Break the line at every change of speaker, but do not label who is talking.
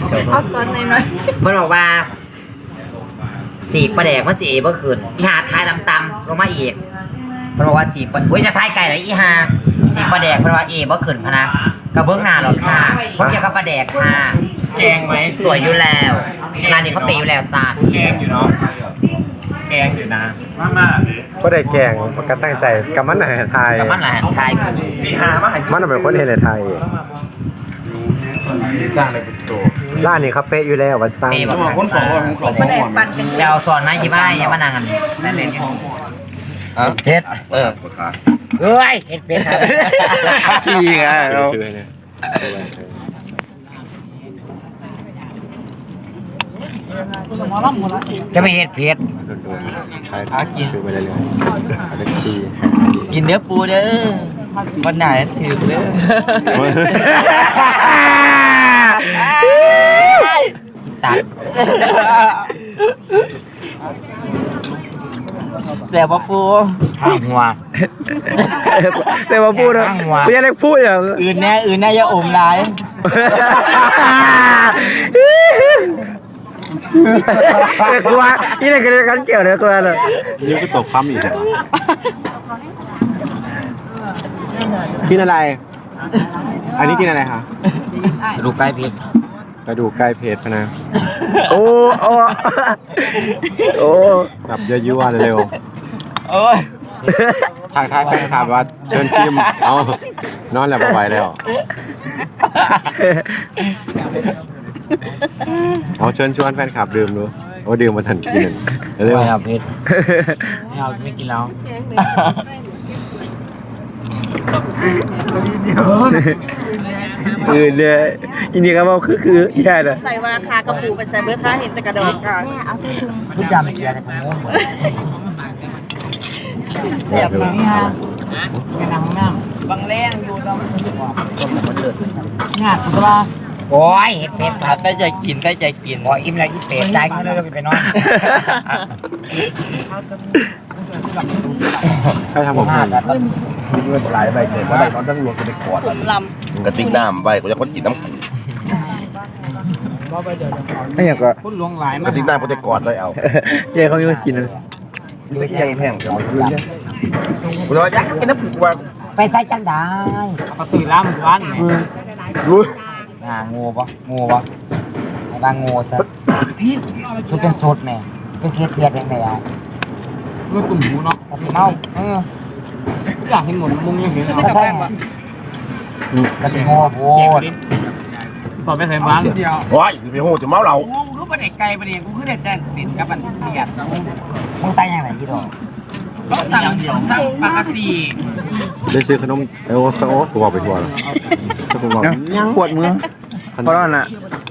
เอาตอนหน่อย
มันบอกว่าสีปลาแดกมันสีเมื่อคืนอีหาทายตำๆลงมาอีกมันบอกว่าสีปลาจะทายไก่เลยอีหาสีปลาแดกมันว่าเมื่อคืนพนะกระเบื้องหน้าหรอกค่ะเพราะเกี่ยวกับปลาแดกค่ะ
แกงไหม
สวยอยู่แล้วร้านนี้เขาเปย์อยู่แล้วจ้า
แกงอยู่เนาะแกงอยู่นะ
ก็ได้แกงมันก็ตั้งใจกับมันอาหารไทย
กับมันอาหารไทย
มีหามาให้
มันเป็นคนเห็นในไทย
สร้างอะไรเป็นตัว
ร้านนี้เขาเป๊ะอยู่แล้วว่าสร้าง
คนสองคนสองคน
เดี๋ยวสอนไหมยี่บ้าอย่ามานั่งกันนั่นเลยเฮ็ดเฮ้ยเฮ็ดเป็ด
ขี้ไงเรา
จะไม่เฮ็ดเผ็ด
ใช่ท้ากินไปเรื่อยๆ
กินเนื้อปูเด้อวันไหนถือเด้อสัตว์แต่ว่าปูข้างหัว
แต่ว่าพูดนะไม่ใช่เล็กพูดอย่าง
อื่นแน่อย่าอมร้าย
กลัวนี่ในกันเกี่ยวเลยกลัวเลย
ยังก็ตกปั๊มอีก
กินอะไรอันนี้กินอะไรคะ
ดูใกล้เพชร
ไปดูใกล้เพจนะโอ้แบบยั่วๆเร็ว
โอ้ย
ทางแฟนคลับว่าเชิญชิมเอานอนแล้วไปแล้วเอาเชิญชวนแฟนคลับดื่มดูโอ้ดื่มมาทันกิน
เร็วครับเพชรไม่กินแล้ว
เนี่ยอินเดียก็บอกคือแย่เลย
ใส่ว่าคากระปูไปใส่เบอร์ค้าเห็นแต่กระดองค่ะ
ทุกอย่างไม่เกี่ยวกับผม
เสียบมา
ไปนั่งน้
ำบางแรงอยู่ตรง
งานตัวโอ้ยเห็ดเป็ดครับได้ใจกินโอ้ยอิ่มแล้วอิ่มเป็ดใจก็เลยไปนอน
ใครทำผม
เงินหลายใบเกิดว่าได้นอนทั้งรวมกันในขวดกระติกน้ำใบก็จะคนกินน้ำ
ไม่อยากก็
พูดลวงหลาย
กระติกน้ำก็จะกอดเลยเอา
เย่เขาไม่กินเลย
ไม่แข็งแห้งจังกูจะอยากกินน้ำผูกว่า
ไปใส่จังได้เขาตื่นล้ำวัน
รู้
งูปะไอ้บางงูซะชุดเป็นชุดแม่เป็นเทียดเองเลยอ่ะเมื่อตุ่มหูเนาะกระสีเมาอยากเห็นหมดมุมยังเห็นก็ใช่กระสีงูโอ้ยตอบไปใส่บ้าน
ว้ายไปโหดจะเมาเรา
กูคือประเด็กไก่ประเด็กกูคือเด็กแดนสินกับมันเทียดมึงใส่ยังไงยี่ดอก
ก็สั่งเดียวสั่งปกติ
ได้ซื้อขนมโอ้ตัวไปทัวร์แล้วยังปวดมือเพราะว่าน่ะ